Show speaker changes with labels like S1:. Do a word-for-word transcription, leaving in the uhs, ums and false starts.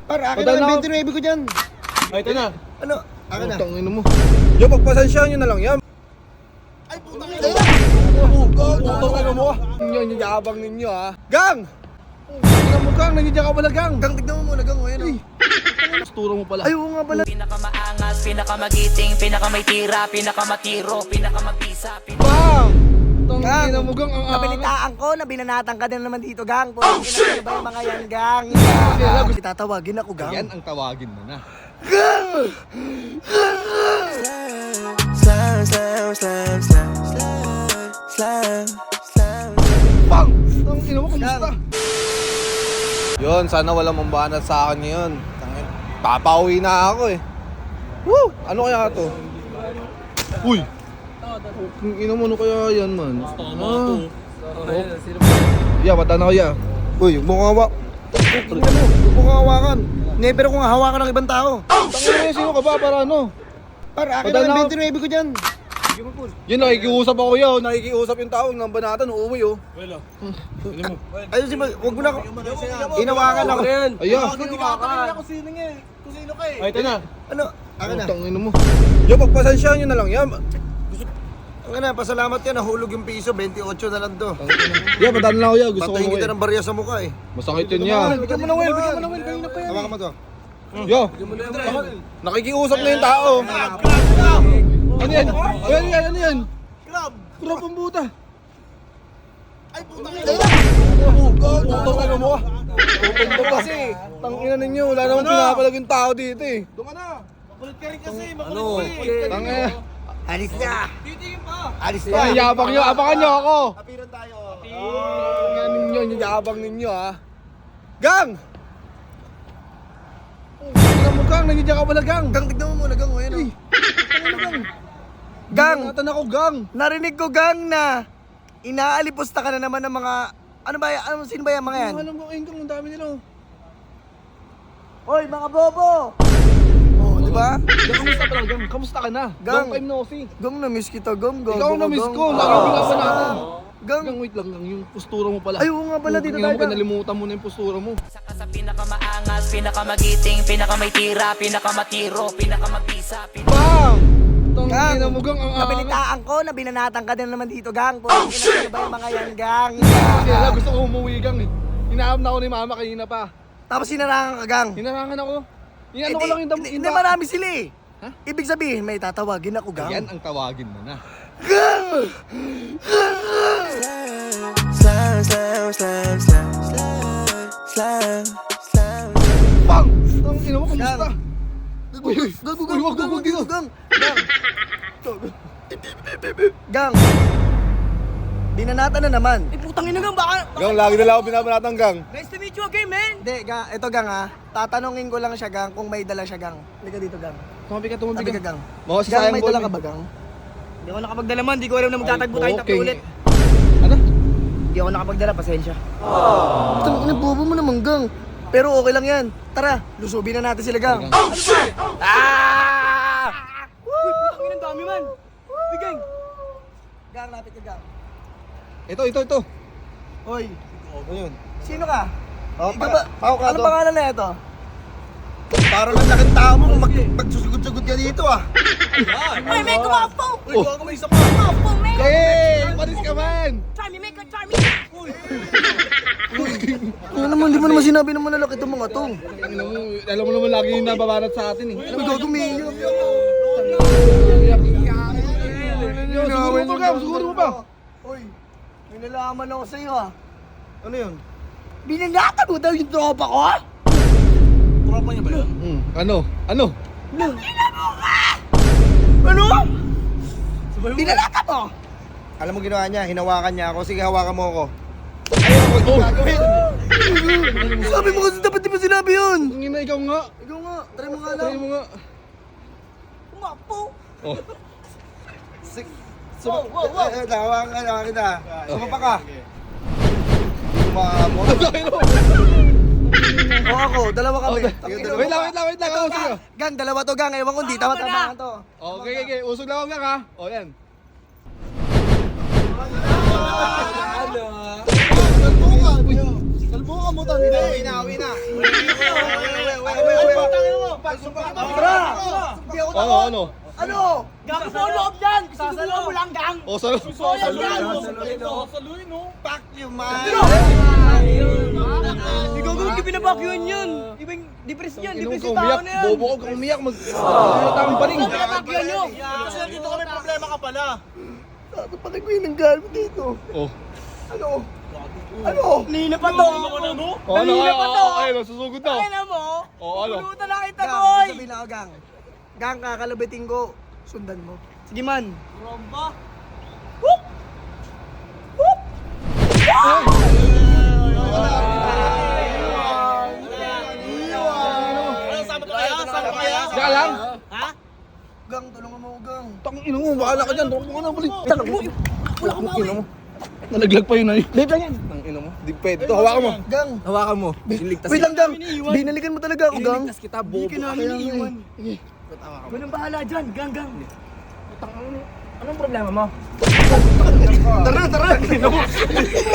S1: Par, akin na lang twenty-nine ko dyan.
S2: Ay, ito na.
S1: Ano? Akin na.
S3: Tangin mo. Yo, pagpasensyahan nyo na lang yan.
S1: Ay, putang ina.
S3: Putang ano mo. Inyo, yung yabang ninyo ha. Gang! Tingnan mo gang, nandiyan ka pala gang.
S1: Gang, tignan mo muna, gang. Ayan o.
S3: Postura mo pala.
S1: Ay, oo nga pala.
S4: Pinakamaangas, pinakamagiting, pinakamay tira, pinakamatiro, pinakamabisa, pin-
S3: Bang! Tangin
S1: Gang,
S3: na mo gang, ang angas.
S1: nabalitaan ko na binanatan ka din naman dito, gang. Putang ina, ano ba yung mga yan, gang? Tatawagin ako, gang.
S3: Yan ang tawagin mo na.
S5: Slam, slam, slam, slam, slam, slam, slam.
S3: Bang! Tangin na mo, kamusta? Yun, sana walang mambanat sa akin ngayon. Tangin, papauwi na ako eh. Woo! Ano kaya to? Uy! Kung ina mo, ano kaya yan man? Ah. Oh. Ya, bata na ko ya.
S1: Uy, huwag mo kong hawak. Huwag mo kong hawakan. Never kong hawakan ng ibang tao.
S3: Tangin na, sino ka ba para ano?
S1: Par, akin
S3: Padala
S1: na lang
S3: ako.
S1: twenty-nine ko dyan.
S3: Yun, nakikiusap ako yun. Nakikiusap yung tao ng banatan, uuwi oh.
S1: Ayun si Mag, huwag mo na ako. Inawakan ako.
S3: Ayan.
S2: Ay, ito na.
S1: Ano? Akin na.
S3: Tangin mo. Yo, pagpasensyahan nyo na lang yan.
S1: Akin na, pasalamat yan. Nahulog yung piso. twenty-eight na lang to.
S3: Ya, bata na ako ya. Gusto ko
S1: Patayin kita
S3: umuwi.
S1: ng barya sa mukha eh.
S3: Masakit yun yan.
S1: Bigyan mo na Will, bigyan mo na Will. Kanina pa yan. Hawakan mo to.
S3: Yo, nakikiusap na yung tao. Ano yan? Ano yan? Ano yan?
S1: Club!
S3: Crop ang buta.
S1: Ay, putang ina!
S3: Putang ano mo? Putang mo kasi. Tangina ninyo. Wala namang pinapalag yung tao dito eh. Doon ka na. Makulit ka rin kasi.
S1: Ano?
S3: Tangina.
S1: Alis na! Alis na!
S3: Ang yabang nyo. Abangan nyo ako.
S1: Apiran tayo.
S3: Tangina ninyo. Yung yabang ninyo ha. Gang! Tingnan mo gang. Nandiyan ka pala gang.
S1: Gang, tignan mo muna, gang. Ayan o. Gang!
S3: Natan ako gang.
S1: Narinig ko, gang, na inaalipusta ka na naman ng mga... Ano ba yan? Ano, sino ba yan mga yan?
S3: Alam mo, Engkang, ang dami nila.
S1: Hoy, mga bobo! Oh, di ba?
S3: Gang, kamusta pala gang? Kamusta ka na?
S1: Gang.
S3: Long time no see.
S1: Gang, na-miss kita, gang. gang
S3: Ikaw
S1: gang,
S3: na-miss
S1: gang.
S3: ko. Lagi binasan natin.
S1: Gang!
S3: Gang, wait lang gang. Yung postura mo pala.
S1: Ay, oo nga pala, dito
S3: Tingnan
S1: tayo,
S3: mo,
S1: gang.
S3: kinalimutan mo na yung postura mo.
S4: Saka sa pinakamaangas, pinakamagiting, pinakamay tira, pinakamatiro, pinakamabisa, pin-
S3: Bang!
S1: Gang,
S3: Tangina mo gang, ang angas.
S1: nabalitaan ko na binanatan ka din naman dito, gang. Putang ina, ano ba yung mga yan, gang?
S3: Kaya gusto ko umuwi gang eh. Hinaam na ako ni mama kanina pa.
S1: Tapos sinarangan ka, gang.
S3: Hinarangan ako. Yung ano
S1: Eh,
S3: ko
S1: di-
S3: lang yung dam...
S1: Hindi,
S3: yung
S1: hindi,
S3: da-
S1: marami sila eh.
S3: Ha?
S1: Ibig sabihin, may tatawagin ako, gang.
S3: Yan ang tawagin mo na.
S5: Slam, slam, slam, slam, slam, slam, slam.
S3: Bang! Tangina mo, kamusta?
S1: Uy, uy, gang, gang,
S3: Uy, wag,
S1: gang,
S3: wag, dito.
S1: gang, gang, gang. Binanatan na naman.
S6: Eh, putang ina gang, baka...
S3: Gang, lagi nila ako binabanatang gang.
S6: Nice to meet you again, man!
S1: Hindi, gang, ito gang ha. Tatanungin ko lang siya, gang, kung may dala siya, gang. Halika dito, gang.
S3: Tumabi ka, tumabi
S1: Sabi ka,
S3: ka.
S1: gang.
S3: Mga si
S1: Gang,
S3: sayang
S1: may
S3: ball
S1: dala
S3: mo
S1: ka
S3: eh.
S1: ba, gang?
S6: Hindi ako nakapagdala man, di ko alam na magtatagpo tayo tatlo
S3: Okay.
S6: ulit.
S3: Ano?
S6: Hindi ako nakapagdala, pasensya.
S1: Ito, inabobo mo naman, gang. Pero okay lang yan. Tara, lusubin na natin sila, gang.
S6: Ah! Uy, putang ina, ang dami man! Bigay!
S1: Gang, lapit ka, gang.
S3: Ito, ito, ito.
S1: Hoy,
S3: Ano yun?
S1: sino ka?
S3: Oh,
S1: Ikaw ba?
S3: Pao ka
S1: Ano
S3: to.
S1: pangalan na ito? Parang ang laking tao mo kung mag magsusugod-sugod ka dito ah.
S6: Ay, may kumapo!
S3: Oh.
S6: Kumapo, man!
S3: Hey! Paris ka man!
S6: Try me, make a try me!
S1: Ano naman, di mo naman sinabi na malalaki itong mga to.
S3: Tangina mo, alam mo naman lagi yung nababanat sa atin eh.
S1: Ano gagawin?
S3: Yo, siguro mo ka, siguro mo pa.
S1: Hoy, may nalaman ako sa'yo ah.
S3: Ano yun?
S1: Binanatan mo daw yung tropa ko ah?
S3: Tropa niya ba yun? Hmm, ano? Ano?
S1: Ano? Binanatan mo? Alam mo ginawa niya, hinawakan niya ako. Sige, hawakan mo ako. Ayaw ako, ito gagawin. Sabi mo kasi dapat di ba sinabi yun?
S3: Tingin na ikaw nga.
S1: Ikaw nga, try mo nga lang.
S3: Try mo nga.
S6: Kumapo!
S3: Oh.
S1: Wow, wow, wow. Eh, hawakan ka, hawakan kita. Sumapa ka. Sumapa. O ako, dalawa kami.
S3: Wait lang, wait lang, wait lang. Ako sa'yo.
S1: Gang, dalawa to gang. Ewan ko, hindi tama-tama to.
S3: Okay, okay, okay. Usog lang ako gang ha. O, yan.
S1: Salbukan mo, tangina. Uwi na, uwi na. Tara! Hindi ako
S3: Ano,
S1: takot.
S3: ano?
S1: Ano?
S6: Gang mo loob yan! Sasaluhan mo lang, gang!
S3: O, salo.
S6: Soyan yan!
S1: Fuck you, man!
S6: Ikaw kung hindi pinabakyuhan yun! Ibang depress yan!
S3: Inong
S6: Depress
S3: ka
S6: yung tao
S3: umiyak.
S6: na yan!
S3: Bobo ko kang umiyak. Mag... Ano tama pa rin?
S6: Ikaw pinabakyuhan nyo!
S1: Kasi nandito kami problema ka pala. Sabi pa kayo yung gamit dito.
S3: Oh.
S1: Ano? Ano?
S6: Nina pa to!
S3: Oh, ano?
S6: Kanina pa to!
S3: Ayun, susugod na.
S6: Ay na mo!
S3: Oh, ano?
S6: Pulutan na kita,
S1: Gang,
S6: boy!
S1: sabihin ako, gang. Gang, kakalabitin ko. Sundan mo.
S6: Sige man! Romba!
S3: Diyan lang.
S1: Gang, tulungan mo, gang.
S3: Tangin ina mo, bahala ka dyan. Huwag mo na balik. Tangin mo. Wala ka ina mo. Nalaglag pa yun ay. Dito lang yan. Tangin mo. Di pwede. Ito, hawakan mo.
S1: Gang.
S3: Hawakan mo.
S1: Wait lang, gang. Binalikan mo talaga ako, gang.
S3: Iniligtas kita, bobo.
S6: Hindi ka namin iniiwan. Walang bahala dyan, gang gang!
S3: Anong problema mo?
S1: Tara, tara.